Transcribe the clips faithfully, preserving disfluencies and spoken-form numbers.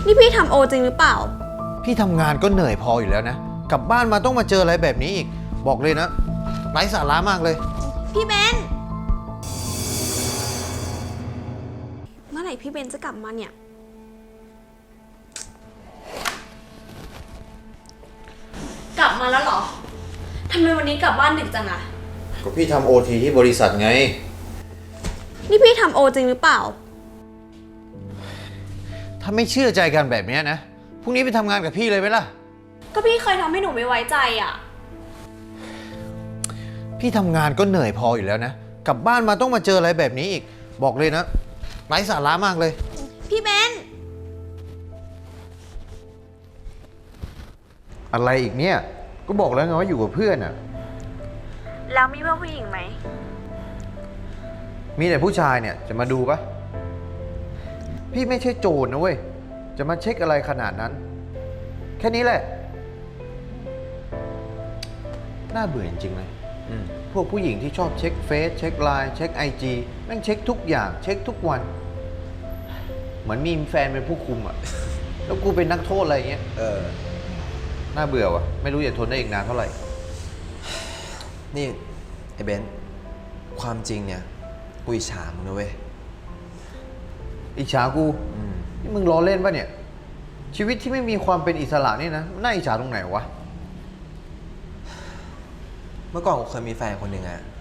นี่พี่ทำโอจริงหรือเปล่าพี่ทำงานก็เหนื่อยพออยู่แล้วนะกลับบ้านมาต้องมาเจออะไรแบบนี้อีกบอกเลยนะไร้สาระมากเลยพี่เบนเมื่อไหร่พี่เบนจะกลับมาเนี่ยกลับมาแล้วเหรอทำไมวันนี้กลับบ้านดึกจังอะก็พี่ทำโอทีที่บริษัทไงนี่พี่ทำโอจริงหรือเปล่าถ้าไม่เชื่อใจกันแบบนี้นะพรุ่งนี้ไปทำงานกับพี่เลยไหมล่ะก็พี่เคยทำให้หนูไม่ไว้ใจอ่ะพี่ทำงานก็เหนื่อยพออยู่แล้วนะกลับบ้านมาต้องมาเจออะไรแบบนี้อีกบอกเลยนะไร้สาระมากเลยพี่เบนอะไรอีกเนี่ยก็บอกแล้วไงว่าอยู่กับเพื่อนอ่ะแล้วมีเพื่อนผู้หญิงไหมมีแต่ผู้ชายเนี่ยจะมาดูปะพี่ไม่ใช่โจรนะเว้ยจะมาเช็คอะไรขนาดนั้นแค่นี้แหละน่าเบื่อจริงๆเลยพวกผู้หญิงที่ชอบเช็คเฟซเช็คไลน์เช็คไอจีแม่งเช็คทุกอย่างเช็คทุกวันเหมือนมีแฟนเป็นผู้คุมอ่ะแล้วกูเป็นนักโทษอะไรเงี้ยเออน่าเบื่อวะไม่รู้จะทนได้อีกนานเท่าไหร่นี่ไอ้เบนซ์ความจริงเนี่ยกูอิจฉามึงนะเว้ยอิจฉากูนี่มึงล้อเล่นปะเนี่ยชีวิตที่ไม่มีความเป็นอิสระนี่นะน่าอิจฉาตรงไหนวะเมื่อก่อนกูเคยมีแฟนคนหนึ่งอะ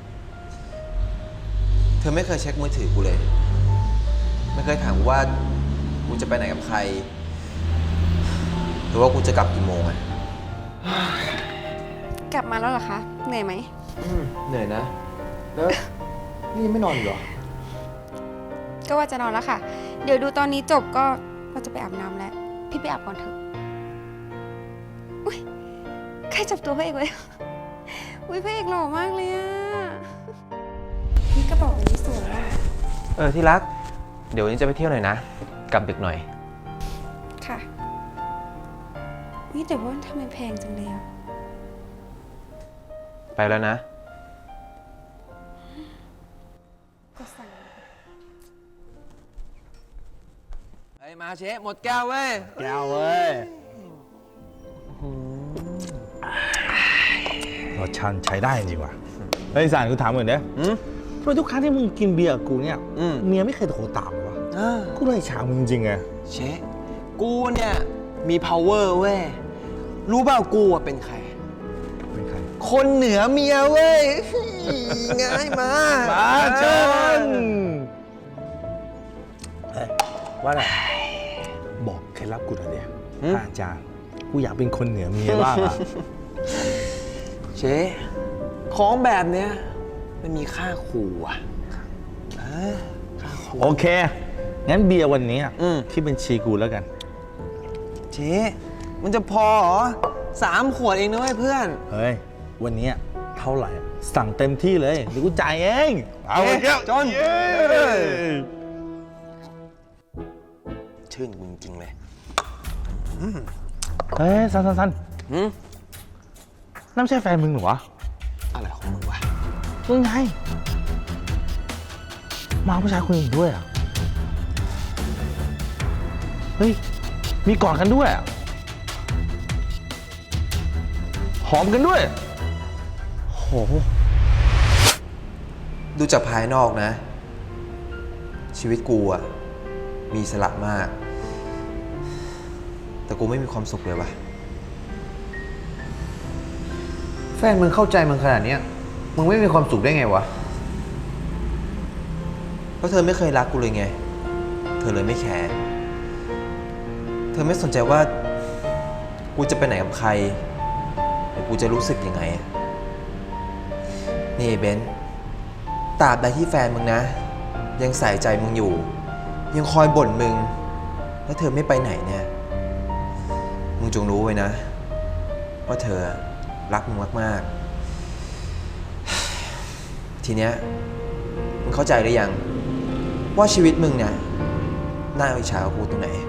เธอไม่เคยเช็คมือถือกูเลยไม่เคยถามว่ากูจะไปไหนกับใครหรือว่ากูจะกลับกี่โมงอะกลับมาแล้วเหรอคะเหนื่อยไหมเหนื่อยนะแล้วนี่ยังไม่นอนอีกเหรอก็ว่าจะนอนแล้วค่ะเดี๋ยวดูตอนนี้จบก็ว่าจะไปอาบน้ำแล้วพี่ไปอาบก่อนเถอะอุ้ยใครจับตัวพระเอกไว้อุ้ยพระเอกหล่อมากเลยอะนี่กระเป๋าอันนี้สวยอะเออที่รักเดี๋ยววันนี้จะไปเที่ยวหน่อยนะกลับดึกหน่อยค่ะนี่แต่ว่าทำไมแพงจังเลยอะไปแล้วนะไอ้มาเชฟหมดแก้วเว้ยแก้วเว้ยรสชาติใช้ได้จริงว่ะเฮ้ยสารกูถามเหมือนเด้อทำไมทุกครั้งที่มึงกินเบียร์กูเนี่ยเมียไม่เคยโทรตามเลยวะกูเลยฉามึงจริงไงเชฟกูเนี่ยมี power เว้ยรู้เปล่ากูเป็นใครเป็นใครคนเหนือเมียเว้ยง่ายมามาชนเฮ้ยว่าไงบอกเคล็ดลับกูหน่อยดิอาจารย์กูอยากเป็นคนเหนือเมียบ้างอะเชฟของแบบเนี้ยมันมีค่าขู่อ่ะโอเคงั้นเบียร์วันนี้ที่เป็นชีกูแล้วกันเชฟมันจะพอเหรอสามขวดเองนะเว้ยเพื่อนเฮ้ยวันนี้เท่าไหร่สั่งเต็มที่เลยเดี๋ยวกูจ่ายเองเอาเจ้าจนชื่นมึงจริงเลยเฮ้ยสันสันสันนั่นไม่ใช่แฟนมึงหรอวะอะไรของมึงวะมึงไงมาผู้ชายคนอื่นด้วยอ่ะเฮ้ยมีกอดกันด้วยอ่ะหอมกันด้วยโหดูจากภายนอกนะชีวิตกูอ่ะมีอิสระมากแต่กูไม่มีความสุขเลยวะแฟนมึงเข้าใจมึงขนาดนี้มึงไม่มีความสุขได้ไงวะเพราะเธอไม่เคยรักกูเลยไงเธอเลยไม่แคร์เธอไม่สนใจว่ากูจะไปไหนกับใครหรือกูจะรู้สึกยังไงนี่เบนตราบใดที่แฟนมึงนะยังใส่ใจมึงอยู่ยังคอยบ่นมึงแล้วเธอไม่ไปไหนเนี่ยมึงจงรู้ไว้นะว่าเธอรักมึงมากๆทีเนี้ยมึงเข้าใจหรือยังว่าชีวิตมึงเนี่ยน่าอิจฉากับกูตรงไหน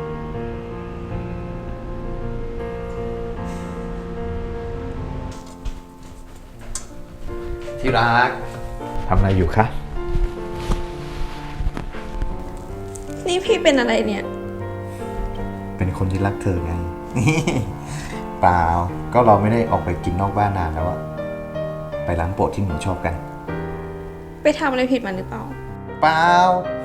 ที่รักทำอะไรอยู่คะนี่พี่เป็นอะไรเนี่ยเป็นคนที่รักเธอไง เปล่า ก็เราไม่ได้ออกไปกินนอกบ้านนานแล้วอะไปร้านโปรดที่หนูชอบกันไปทำอะไรผิดมันหรือเปล่าเปล่า